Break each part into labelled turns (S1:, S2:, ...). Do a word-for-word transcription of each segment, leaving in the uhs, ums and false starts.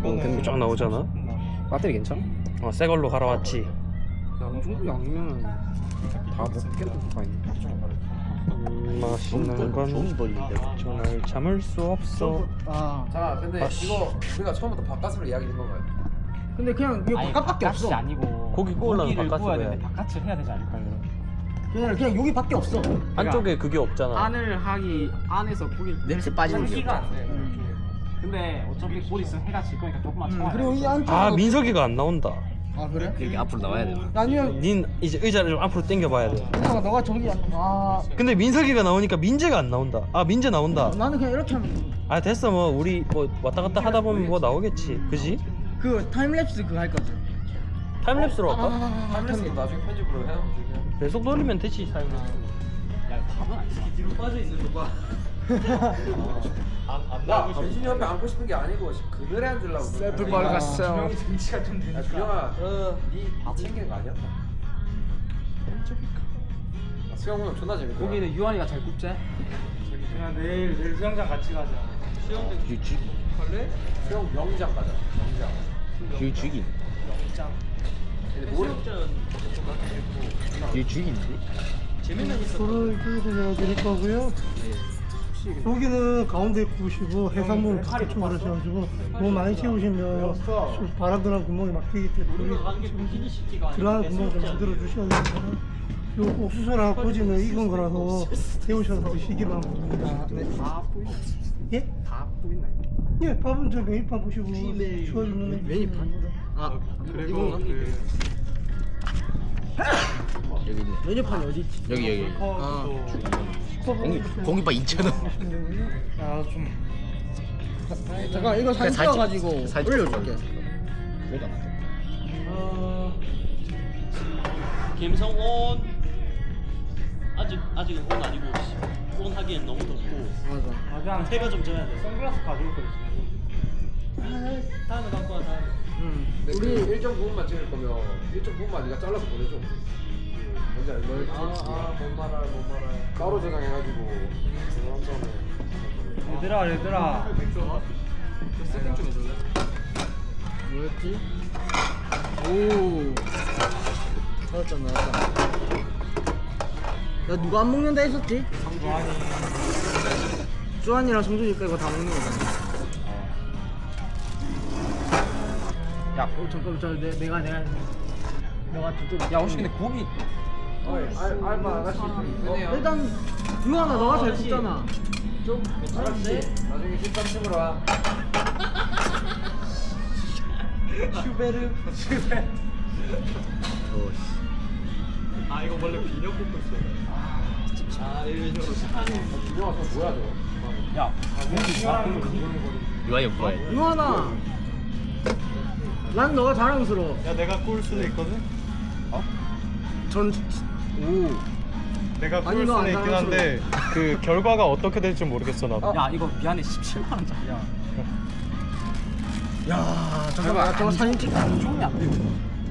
S1: 근데 쫙 나오잖아.
S2: 배터리 괜찮아?
S1: 어, 새 걸로 갈아왔지.
S2: 양중구 양이면 다 먹겠는 거 아니야?
S1: 음, 맛있는 건 정말 참을 수 없어.
S3: 아
S4: 자 근데
S1: 아, 씨.
S4: 이거 우리가 처음부터 바깥으로 이야기된 건가요?
S3: 근데 그냥 이거
S5: 아니,
S3: 바깥밖에
S5: 바깥이
S3: 없어.
S5: 아니고
S1: 고기 구우려면
S5: 고기를
S1: 바깥으로
S5: 구워야
S1: 해야
S5: 되는데
S1: 돼.
S5: 바깥을 해야 되지 않을까요?
S3: 그냥 그냥 여기밖에 없어.
S1: 안쪽에 그게 없잖아.
S2: 안을 하기 안에서 고기를
S3: 냄새 빠지는 게
S5: 기가
S3: 없어.
S5: 안 돼. 근데 어차피 곧 있으면 해가 질 거니까 조금만
S3: 음,
S5: 참아야
S3: 그리고 이 안쪽.
S1: 아, 민석이가 안 나온다.
S3: 아 그래?
S2: 이렇게 앞으로 나와야 되나?
S3: 아니면
S1: 닌 이제 의자를 좀 앞으로 당겨봐야 돼.
S3: 그냥 너가 저기 아
S1: 근데 민석이가 나오니까 민재가 안 나온다. 아, 민재 나온다.
S3: 나는 그냥 이렇게 하면
S1: 아, 됐어. 뭐 우리 뭐 왔다 갔다 하다 보면 뭐 나오겠지. 그지?
S3: 그 타임랩스 그거 할 거지.
S1: 타임랩스로 할까?
S4: 타임레스 나중에 편집으로 해요.
S1: 배속 돌리면 되지. 타임랩스.
S5: 야 답은 아니지.
S4: 뒤로 빠져 있는 거 봐. 야, 변신이 옆에 앉고 싶은 게 아니고 그늘에 앉으려고.
S3: 셀프 빨갔어.
S5: 등치가 좀
S4: 야, 준영아, 니밥 챙기는 거 아니었다. 아, 수영 오늘 존나 재밌다.
S2: 고기는 유한이가 잘 굽지?
S5: 그냥 내일 내일 수영장 같이 가자.
S2: 유죽
S4: 할래? 수영 명장 가자. 명장.
S2: 유죽이
S4: 근데 모래
S2: 유죽인데?
S6: 불을 끓여서 드릴 거고요. 고기는 가운데 구우시고 해산물 바깥쪽으로 하셔가지고 너무 많이 채우시면 바람들한 구멍이 막히기 때문에 들어가는 구멍 좀 만들어 주셔야 됩니다. 요 옥수수랑 꼬지는 익은 거라서 데우셔서 드시기 바랍니다.
S3: 다 보이네.
S6: 예?
S3: 다 보이네.
S6: 예, 밥은 저 메뉴판 보시고 주어주는
S3: 메뉴판? 아
S5: 그리고 그
S2: 여기 있네.
S3: 메뉴판이 어디 있지?
S2: 여기 여기
S3: 아
S2: 공기 공기밥 이천 원.
S5: 아좀
S3: 잠깐 이거 사진 찍어가지고 올려줄게.
S2: 그래도 안
S1: 어... 김성온 아직 아직은 온 아니고 온 하기엔 너무 덥고
S3: 맞아.
S5: 아 그냥
S1: 해가 좀 져야 돼.
S5: 선글라스 가져올 거지.
S1: 다음에 갖고 와 다음에.
S3: 응.
S4: 우리
S3: 우리
S4: 일 점 구 분만 찍을 거면 일 점 구 분만 네가 잘라서 보내줘. 뭔지 알지?
S1: 아아뭔 말할 뭔 말할.
S4: 따로 저장해가지고 저장 다음에.
S5: 얘들아 얘들아.
S4: 세팅 좀 해줄래?
S3: 뭐였지? 오. 나왔다 나왔다. 야 누가 안 먹는다 했었지?
S5: 성주환이.
S3: 주한이랑 성준이 빼고 다 먹는 거잖아. 야, 어, 잠깐만, 저 내, 내가 내가 내가 저쪽.
S2: 야 혹시 근데 고기
S4: 어이, 알, 알바 아가씨 좀 이쁘네요.
S3: 일단 유한아 너가 잘 굽잖아.
S4: 좀 괜찮은데? 나중에 십삼 층으로 와.
S1: 슈베르. 아 이거 원래 비녀 뽑고 있어. 아 이거 저 착하네.
S4: 준영아 저 뭐야 저거?
S5: 야
S2: 유한이 오빠야.
S3: 유한아, 난 너가 자랑스러워.
S5: 야 내가 꿀 수도 있거든.
S3: 전 오.
S5: 내가
S3: 아니,
S5: 꿀
S3: 이거
S5: 수는
S3: 안
S5: 있긴 한데 그 결과가 어떻게 될지 모르겠어 나도.
S2: 야 이거 미안해 십칠만 원짜리야.
S3: 야, 잠깐만, 저거 사진 찍.
S2: 좋으면 안 돼.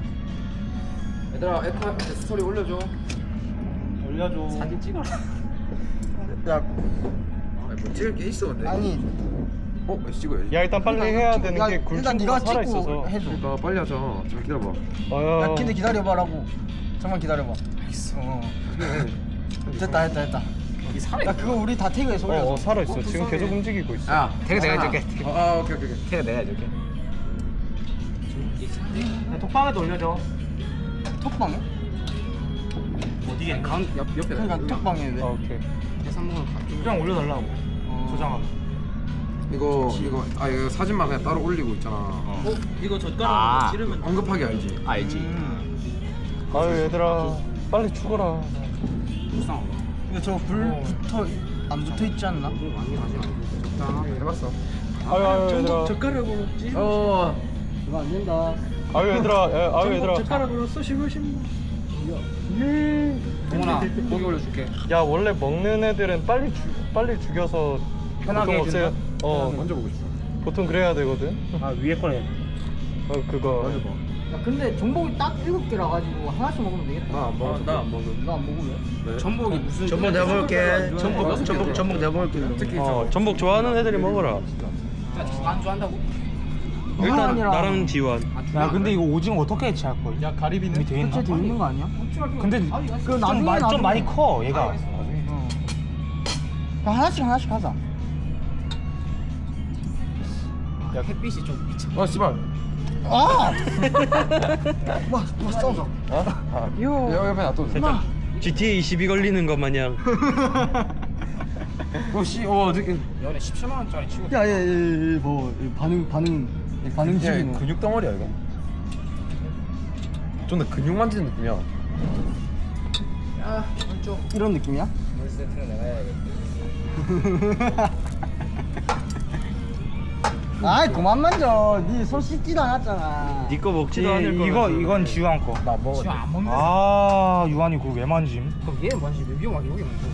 S4: 얘들아 에타 스토리 올려줘.
S5: 올려줘.
S2: 사진 찍어라.
S3: 야,
S4: 아니 뭐 찍을 게 있어 근데.
S3: 아니.
S4: 어? 왜 찍어야지?
S5: 야 일단 빨리 해야
S3: 찍-
S5: 되는
S3: 야,
S5: 게
S3: 일단
S5: 굴충구가
S3: 네가
S5: 살아
S3: 찍고
S5: 있어서.
S3: 해줘.
S4: 그러니까 빨리 하자. 좀 기다려봐.
S5: 어.
S3: 야, 근데 기다려봐라고. 잠깐 기다려봐. 알겠어. 어. 됐다, 됐다, 됐다.
S2: 이 살아
S3: 야, 그거 우리 다 태그에서 올려줘.
S5: 어, 어 살아 있어. 지금 계속 움직이고 있어.
S2: 야 태그 내가 해줄게.
S4: 아, 아 오케이 오케이 오케이.
S2: 태그 내가 해줄게.
S5: 톡방에도 올려줘.
S3: 톡방에?
S5: 어디에?
S2: 강 옆, 옆에
S3: 그러니까 톡방에 왜?
S5: 아 오케이.
S2: 해산물을 가져.
S5: 그냥 올려달라고.
S3: 어.
S5: 저장하고.
S4: 이거 이거 아 이거 사진만 그냥 따로 올리고 있잖아.
S1: 어 이거 젓가락
S2: 아.
S1: 찌르면
S4: 언급하기 알지?
S2: 알지.
S3: 음.
S5: 아유 얘들아 빨리 죽어라.
S2: 불쌍하다.
S3: 근데 저거 불 붙어 안 붙어 있지 않나?
S4: 적당하게 해봤어.
S5: 아유 아유 얘들아.
S3: 젓가락으로 찌.
S4: 어.
S3: 이거 안 된다.
S5: 아유 얘들아. 야, 아유 얘들아.
S3: 젓가락으로 쏘시고 싶나?
S2: 동훈아 고기 올려줄게.
S5: 야 원래 먹는 애들은 빨리 죽 빨리 죽여서
S2: 편하게
S5: 보통 없애야- 어
S4: 먼저 보고 싶어.
S5: 보통 그래야 되거든.
S2: 아 위에 거네.
S5: 어 그거.
S3: 야 근데 전복이 딱 일곱 개라 가지고 하나씩 먹으면 되겠다.
S4: 나안 먹어. 나안 먹어.
S3: 너 안 먹으면?
S2: 전복이 무슨?
S3: 전복 내가 먹을게. 전복 전복 전복 내가 먹을게.
S4: 특히
S1: 어 전복 좋아하는 애들이 먹어라.
S2: 안주 한다고? 일단
S3: 아니라-
S2: 나랑 지원.
S7: 야 근데 이거 오징어 어떻게 해체할 거야?
S1: 야 가리비는
S7: 돼 있나?
S3: 해체 돼 있는 거 아니야?
S7: 근데
S3: 그
S7: 좀,
S3: 나중에
S7: 마,
S3: 나중에.
S7: 좀 많이 커 얘가.
S3: 야, 하나씩 하나씩 하자.
S5: 야 햇빛이 좀 미쳐.
S4: 아 씨발.
S3: 아! 와, 와 싸우자.
S4: 어? 아,
S3: 요.
S4: 여 옆에 놔둬.
S2: 살짝 지티에이 십이 걸리는 것 마냥.
S7: 어씨 어 어떻게?
S5: 연애 십칠만 원짜리 치고.
S3: 야, 야, 야, 야, 뭐 반응 반응 반응
S4: 야,
S3: 중이네.
S4: 근육 덩어리야 이거. 좀 더 근육 만지는 느낌이야.
S5: 야 왼쪽.
S3: 이런 느낌이야?
S5: 물 세트는 내가 해야겠다.
S3: 아이, 그만 만져. 니 손 씻지도 않았잖아.
S2: 니 거 먹지.
S7: 이거 이건 지우한 거.
S4: 나 먹어.
S5: 지금 안 먹는.
S7: 아 유한이 그거 왜 만짐?
S5: 그럼 얘는 뭐지? 왜 위험하게 여기 만져?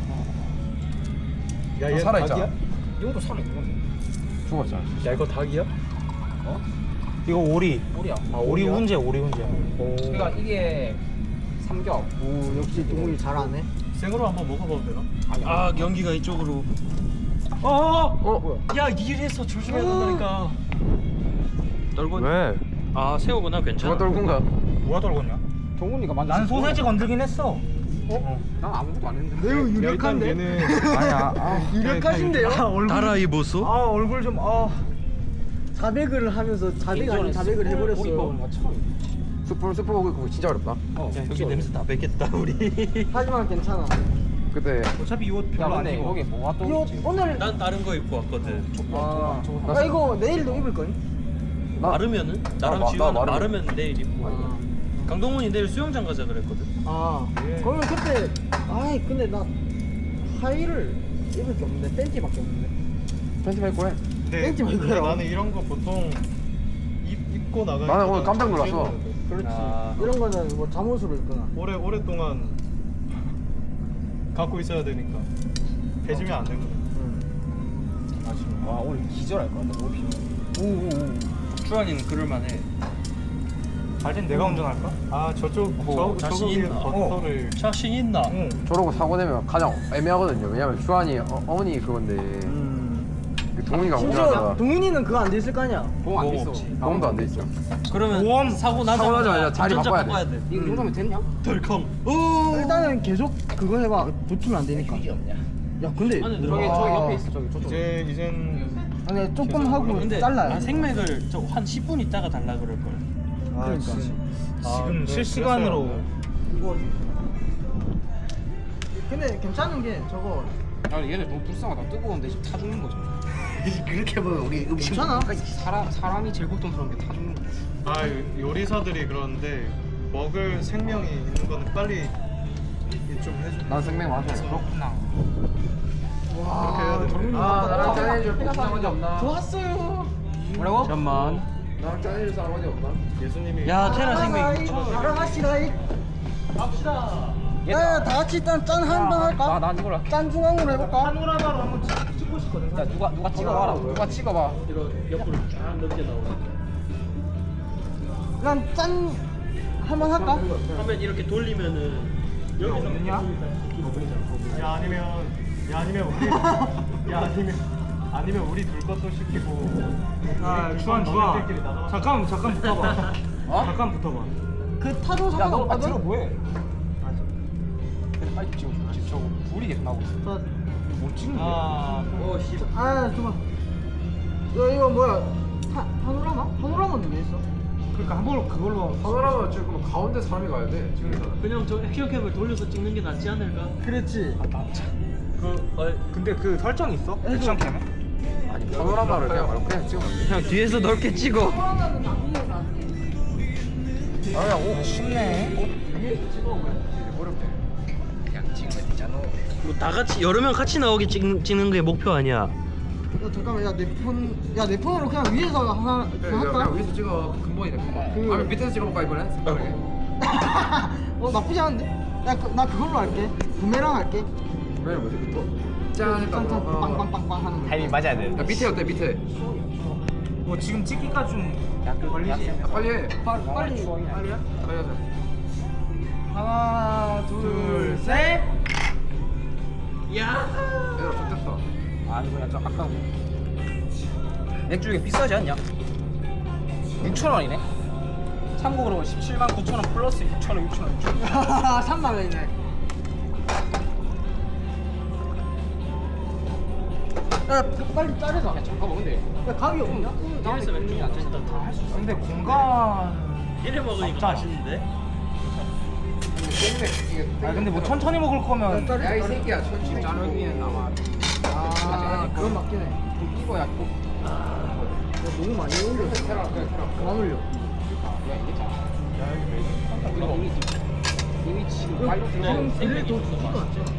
S1: 야,
S4: 아,
S1: 얘
S4: 살아있잖아.
S1: 닭이야?
S5: 이것도 살아 있는
S4: 죽었잖아.
S1: 야 이거 닭이야?
S7: 이거 오리.
S5: 오리야.
S7: 아 오리
S1: 오리야?
S7: 훈제 오리 훈제.
S5: 그러니까 이게 삼겹.
S3: 오, 역시 동훈이 잘하네.
S1: 생으로 한번 먹어봐도 되나?
S2: 아 연기가 이쪽으로. 어.
S4: 어?
S2: 야 이래서 조심해야 된다니까. 떨군.
S4: 왜?
S2: 아 새우구나 괜찮아.
S4: 누가 떨군가?
S7: 누가 떨궜냐?
S5: 동훈이가 만져.
S7: 난 소세지 건들긴 했어.
S5: 난 아무것도 안 했는데.
S6: 매우
S1: 야, 일단
S6: 유력한데?
S1: 얘는
S7: 아니야. 아,
S3: 유력하신데요?
S2: 달아 이 보소.
S7: 아 얼굴 좀 아.
S3: 자백을 하면서 자백 아닌 자백을 해버렸어요.
S4: 스프 스프 먹고 그거 진짜 어렵다.
S5: 어.
S2: 야, 여기 냄새 다 뺏겠다 우리.
S3: 하지만 괜찮아.
S4: 그때
S7: 어차피 이거
S5: 야
S7: 별로 안
S5: 근데
S7: 입어.
S5: 여기 뭐가 또
S3: 이거
S5: 있지?
S3: 오늘
S2: 난 다른 거 입고 왔거든.
S3: 아, 아 이거 내일도 입을 거니?
S4: 나-
S2: 마르면은
S4: 나
S2: 나랑
S4: 마-
S2: 지우는
S4: 나 마르면-
S2: 마르면 내일 입고. 강동원이 내일 수영장 가자 그랬거든.
S3: 아, 그러면 그때 아이 근데 나 하의를 입을 게 없는데 팬티밖에 없는데.
S4: 팬티 입고 해.
S1: 근데,
S3: 땡지 말고
S1: 근데
S3: 해라.
S1: 나는 이런 거 보통 입, 입고 나가니까
S4: 나는 오늘 깜짝 놀랐어.
S3: 그렇지.
S2: 아.
S3: 이런 거는 뭐 잠옷으로 입거나.
S1: 오래 오랫동안 갖고 있어야 되니까 해지면 안 되거든.
S5: 와 오늘 기절할 것 같다. 너무 피워.
S2: 오오오. 주한이는 그럴만해.
S7: 갈땐 내가 운전할까?
S1: 아 저쪽
S2: 뭐,
S1: 저
S2: 자신
S1: 저거 위에
S2: 있나?
S1: 버터를
S2: 자신 있나?
S7: 응.
S4: 저러고 사고 내면 가장 애매하거든요. 왜냐면 주한이 어, 어머니 그건데 그 동훈이가
S3: 심지어
S4: 운전하다가
S3: 동훈이는 그거 안 돼 있을 거 아니야.
S5: 보험 안
S2: 보험
S5: 있어.
S2: 없지.
S4: 보험도 안 돼 있어.
S2: 그러면
S7: 보험
S2: 사고 나자마자
S4: 사고 나자마자 자리
S2: 운전자
S4: 바꿔야 돼.
S2: 돼.
S5: 이거 이 정도면 됐냐?
S2: 덜컹.
S3: 일단은 계속 그거 해봐. 붙으면 안 되니까. 야 근데
S2: 안에
S5: 저기
S2: 들어가.
S5: 저기 옆에 있어. 저기 저쪽.
S1: 이제 이젠
S3: 아니 조금 하고
S2: 근데
S3: 잘라야
S2: 아,
S3: 돼.
S2: 생맥을 저 한 십 분 있다가 달라 그럴 걸.
S1: 아,
S3: 그러니까.
S7: 지금
S1: 네,
S7: 실시간으로
S1: 그랬어요.
S3: 이거 근데 괜찮은 게 저거
S5: 야 얘네 너무 불쌍하다. 뜨거운데 지금 타 죽는 거죠.
S3: 그렇게 보면 우리 음식 괜찮아.
S5: 사람 사람이 제일 고통스러운 게 타 죽는 거.
S1: 아 요리사들이 그러는데 먹을 생명이 있는 거는 빨리 좀 해줘.
S4: 난 생맥 마셔.
S5: 그렇구나.
S1: 그렇게 해야 돼.
S4: 아 나랑 짠해줄 사람 어디 없나?
S3: 좋았어요.
S5: 뭐라고?
S2: 잠만.
S4: 나랑 짠해줄 사람 어디 없나?
S1: 예수님이
S2: 야 테라 생맥.
S3: 나가시다 이. 갑시다. 야야 다 같이 일단 짠 한 번 할까?
S5: 나난 이거라.
S3: 짠 중앙으로 해볼까?
S7: 파노라마로 한번 찍- 찍고 싶거든.
S5: 야 누가 누가 찍어봐라.
S4: 누가 찍어봐.
S2: 이거 옆으로 쫙 넓게 나오게.
S3: 난 짠 한 번 할까?
S2: 하면 이렇게 돌리면은 여기서
S7: 없냐?
S1: 야 아니면 야 아니면 우리 야 아니면 아니면 우리 둘 것도 시키고
S7: 아
S1: 우리
S7: 주한
S1: 둘
S7: 주한.
S1: 너네들끼리 나눠.
S7: 잠깐 잠깐 붙어봐.
S4: 어?
S7: 잠깐 붙어봐.
S3: 그 타도
S5: 야너 아,
S3: 상관없거든.
S5: 들어 뭐해? 빨리 찍어. 지금 저거 불이 계속 나오고 있어.
S3: 자,
S5: 못 찍는 거야.
S1: 아
S2: 어 씨.
S3: 아 잠깐. 야 이거 뭐야? 파 파노라마? 파노라마는 왜 있어?
S7: 그러니까 한번 그걸로.
S4: 카메라만 지금 가운데 사람이 가야 돼. 지금
S2: 그냥 저 액션캠을 돌려서 찍는 게 낫지 않을까?
S3: 그렇지.
S7: 그 어, 근데 그 설정 있어? 액션 캠에?
S4: 아니 카메라만을 그냥 말고 그냥 찍으면 돼.
S2: 그냥 뒤에서 넓게 찍어.
S4: 아야 오
S7: 쉽네.
S4: 어렵대.
S5: 그냥 찍으면 되잖아.
S2: 뭐 다 같이 여러 명 같이 나오게 찍, 찍는 게 목표 아니야.
S3: 야 잠깐만 야 내 폰 야 내 폰으로 그냥 위에서 하나
S4: 그래,
S3: 그거
S4: 그냥
S3: 할까?
S4: 위에서 찍어. 근본이네 근본.
S3: 그-
S4: 아니면 밑에서 찍어볼까 이번엔? 색다르게.
S3: 어 나쁘지 않은데? 나, 그, 나 그걸로 할게. 부메랑 할게.
S4: 왜 뭐지 그 또? 짠 했다.
S3: 짠짠
S4: 어.
S3: 빵빵빵빵 하는 거.
S5: 타이밍 맞아야 돼.
S4: 야 밑에 어때 밑에?
S7: 뭐 지금 찍기가 좀 약간 걸리지.
S4: 야, 빨리 해.
S3: 빨리 빨리
S4: 빨리야? 빨리 하자.
S3: 하나 둘 셋.
S2: 야.
S4: 얘들아 좋겠다.
S5: 아 이거 약간 아까워. 맥주 이게 비싸지 않냐? 육천 원이네. 참고로 십칠만 구천 원 플러스 육천 원, 육천 원, 육천 원.
S3: 삼만 원이네. 야 빨리 자르자.
S5: 야 잠깐만 근데
S3: 야 가위 없냐?
S2: 이래서 맥주 안 된다. 다할수 있어.
S5: 근데 공간.
S2: 이래 먹으니까 맛있는데?
S5: 아 근데 뭐 천천히 먹을 거면.
S4: 야 이 새끼야 천천히 자르기엔 아마
S3: 아 그건 맞긴 해.
S4: 이거야 꼭
S3: 야, 너무 많이 올려. 그만 올려.
S5: 이미 지금 빨리
S3: 지금 딜레이 더 주지도 않잖아.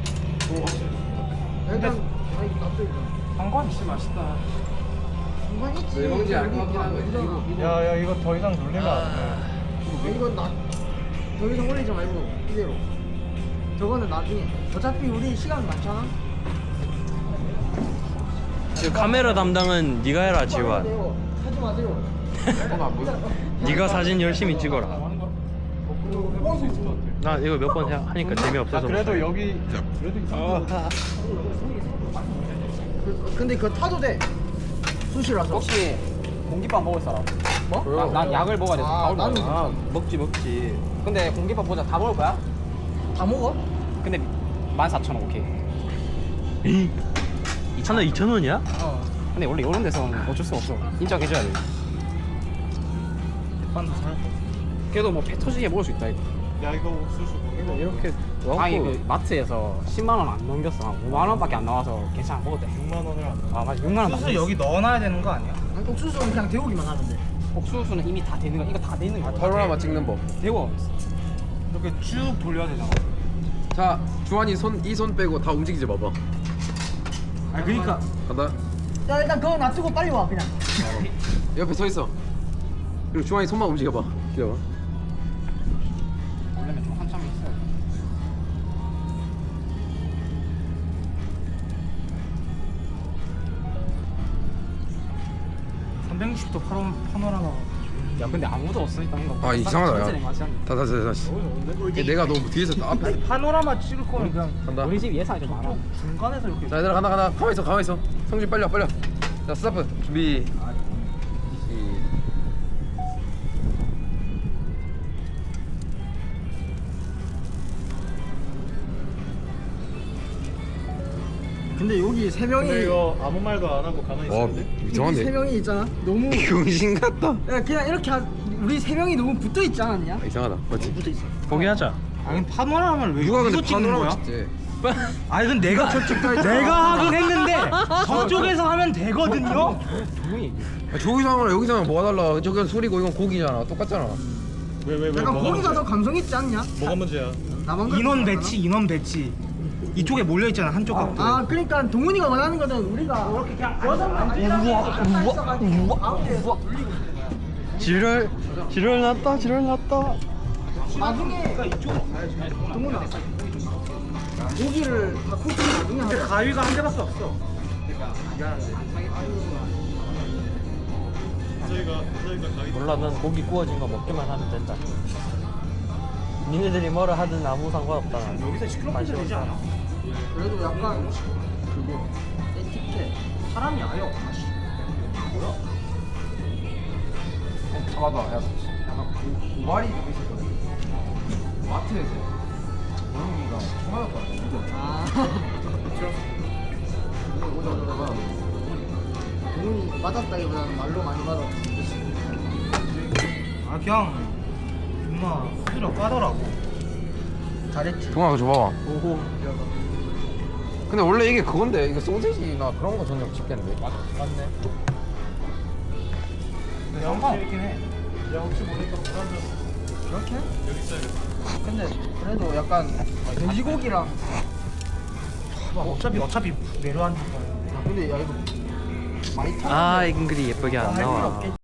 S3: 일단 아니 납득이다.
S5: 관광 진짜 맛있다.
S3: 공간 있지.
S4: 왜 먹는지 알것
S3: 여기
S4: 같긴 한데,
S3: 이거,
S4: 이거-
S3: 이거.
S1: 야, 야, 이거 더 이상 놀리면 안 돼.
S3: 아, 이건 나 더 이상 올리지 말고 이대로. 저거는 나중에. 어차피 우리 시간 많잖아.
S2: 그 카메라 담당은 네가 해라 지환.
S3: 하지 마세요.
S4: 뭐가 뭐야
S2: 네가 사진 열심히 찍어라. 나 이거 몇 번 하니까 재미없어서.
S1: 그래도 여기 그래도 이상.
S3: 그- 근데 그거 타도 돼. 수시라서.
S5: 혹시 공깃밥 먹을 사람?
S3: 뭐?
S5: 난, 난 약을 먹어야 돼.
S3: 아,
S5: 밥을 먹어야 돼.
S3: 나는
S2: 아 먹지 먹지.
S5: 근데 공깃밥 보자. 다 먹을 거야?
S3: 다 먹어?
S5: 근데 만 사천 원 오케이.
S2: 하나 이천 원이야?
S5: 어. 근데 원래 이런 데서는 어쩔 수 없어. 인정해줘야 돼.
S1: 반도 살.
S5: 그래도 뭐 배 터지게 먹을 수 있다 이거.
S1: 야, 이거 옥수수. 이거
S2: 이렇게
S5: 아니 그 마트에서 십만 원 안 넘겼어. 한 오만 원밖에 안 나와서 괜찮아 먹었대.
S1: 육만 원을 안.
S5: 아 맞아 육만 원.
S7: 소스 여기 넣어놔야 되는 거 아니야?
S3: 아니, 옥수수는 그냥 데우기만 하면 돼.
S5: 옥수수는 이미 다 되는 거. 이거 다 되는 거.
S4: 파노라마 찍는 법.
S5: 데워.
S7: 이렇게 쭉 돌려야 되잖아.
S4: 자 주환이 손 이 손 빼고 다 움직이지 봐봐.
S7: 아 그러니까
S4: 간다.
S3: 야 일단 그거 놔두고 빨리 와 그냥.
S4: 옆에 서 있어. 그리고 주환이 손만 움직여봐. 기다려.
S5: 원래는 좀 한참 있어.
S7: 삼백육십 도 파노, 파노라마.
S5: 야 근데 아무도 없으니까 이거.
S4: 아 이상하다
S5: 천천히
S4: 야.
S5: 마시 않네.
S4: 다 다시 다시. 얘 내가 너무 뒤에서 나 앞에
S7: 파노라마 찍을 거면 그냥
S4: 간다.
S5: 우리 집 예산이 좀 많아.
S7: 중간에서 이렇게.
S4: 자 얘들아 간다 간다. 가만 있어 가만 있어. 성준 빨리 와 빨리 와. 자 스타트 준비. 시-
S3: 근데 여기 세 명이
S1: 근데 이거 아무 말도 안 하고 가만히
S4: 와
S1: 있는데.
S3: 여기 세
S4: 이상한데.
S3: 명이 있잖아. 너무
S4: 병신 같다.
S3: 야 그냥 이렇게 하, 우리 세 명이 너무 붙어 있지 않았냐?
S4: 아, 이상하다. 맞지?
S3: 붙어 있어.
S2: 포기하자.
S7: 아니 파노라마를 왜
S4: 누가
S7: 이거
S4: 근데
S7: 찍는
S4: 파노라마
S7: 거야?
S4: 찍지?
S7: 아니 근데 내가 내가 하긴 했는데 저쪽에서 하면 되거든요.
S5: 조용히 얘기해.
S4: 아, 저기서 하면 여기서 하면 뭐가 달라? 저기는 술이고 이건 고기잖아. 똑같잖아.
S1: 왜, 왜, 왜?
S3: 약간
S1: 뭐가
S3: 고기가 더
S1: 문제야?
S3: 감성 있지 않냐?
S1: 뭐가 문제야?
S3: 나만
S7: 인원
S3: 그렇게
S7: 배치, 인원 배치. 이쪽에 몰려 있잖아 한쪽
S3: 생각하나?
S7: 각도에.
S3: 아 그러니까 동훈이가 원하는 거는 우리가 이렇게 그냥 여섯만 있어가지고 가운데에서 돌리고 있는 거야.
S2: 지랄 지랄 났다 지랄 났다.
S3: 나중에 동훈아 고기를 다 코트 나중에 하자.
S7: 가위가 한 개밖에 없어.
S1: 저희가 저희가 가기.
S2: 몰라 난 고기 구워진 거 먹기만 하면 된다. 니네들이 뭐라 하든 아무 상관없다. 난.
S7: 여기서 시끄럽게 되지 않아?
S3: 그래도 약간 그거 에티켓 사람이 아예 없다. 뭐야?
S4: 잡아봐. 야, 약간 고, 고발이 좀 있었거든. 마트에서 고영이가 총 맞았거든.
S3: 아
S4: 오자 오자 오자.
S3: 동훈이 맞았다기보다는 말로 많이 맞았지.
S7: 아 그냥 존나 수저 까더라고.
S3: 잘했지.
S4: 동아 그거 줘봐.
S3: 오호.
S4: 근데 원래 이게 그건데 이게 소세지나 그런 거 전용 집게인데.
S7: 맞네. 근데 상관없긴 해.
S1: 야, 혹시 모르니까 불안정.
S3: 그렇게?
S1: 여기 있어야겠다.
S3: 근데 그래도 약간 돼지고기랑
S7: 어차피 어차피 내려앉을 거야.
S3: 아 근데 야 이거 많이 타.
S2: 아 잉글이 예쁘게 안 나와.